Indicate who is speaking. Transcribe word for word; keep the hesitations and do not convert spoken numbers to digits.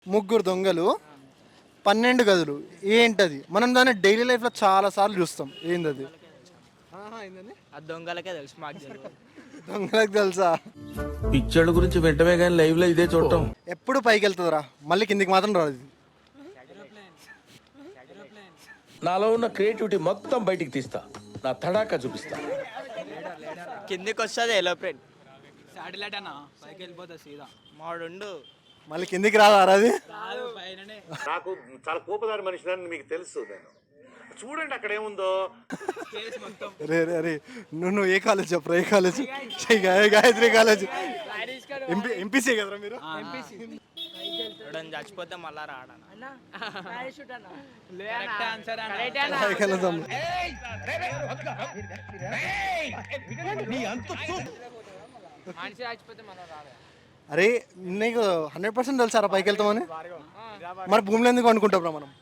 Speaker 1: ముగ్గురు దొంగలు పన్నెండు గదులు ఏంటది? మనం దాన్ని డైలీ లైఫ్లో చాలా సార్లు చూస్తాం. ఏందది? ఏంటది?
Speaker 2: ఆ దొంగలకే తెలుసు, మాకు తెలియదు.
Speaker 1: దొంగలకు తెలుసా?
Speaker 3: పిక్చర్ల గురించి వెంటనే కానీ లైవ్ లో ఇదే చూడటం.
Speaker 1: ఎప్పుడు పైకి వెళ్తుందిరా, మళ్ళీ కిందికి మాత్రం రాదు ఇది.
Speaker 3: నాలో ఉన్న క్రియేటివిటీ మొత్తం బయటికి తీస్తా, నా తడాకా చూపిస్తా.
Speaker 2: కిందికి వస్తుంది ఎలోప్లేన్.
Speaker 4: శాటిలైట్ అన్న పైకి వెళ్ళిపోతుంది సీదా.
Speaker 2: మాడుండు
Speaker 1: మళ్ళీ కిందికి రాదా అది?
Speaker 5: నాకు చాలా కోపదారి మనిషిని మీకు తెలుసు. నేను చూడండి అక్కడ ఏముందో.
Speaker 1: రే రే రే నువ్వు నువ్వు ఏ కాలేజ్ చెప్పరా? ఏ college? Gayatri college. MP MPC కదరా మీరు?
Speaker 2: ఎవడన్నా చచ్చిపోతే మళ్ళా రాడన.
Speaker 4: మనిషి చచ్చిపోతే మళ్ళీ రాడు.
Speaker 1: అరే నీకు హండ్రెడ్ పర్సెంట్ తెలుసారా పైకి వెళ్తామని? మరి భూమిలో ఎందుకు అనుకుంటాం మనం?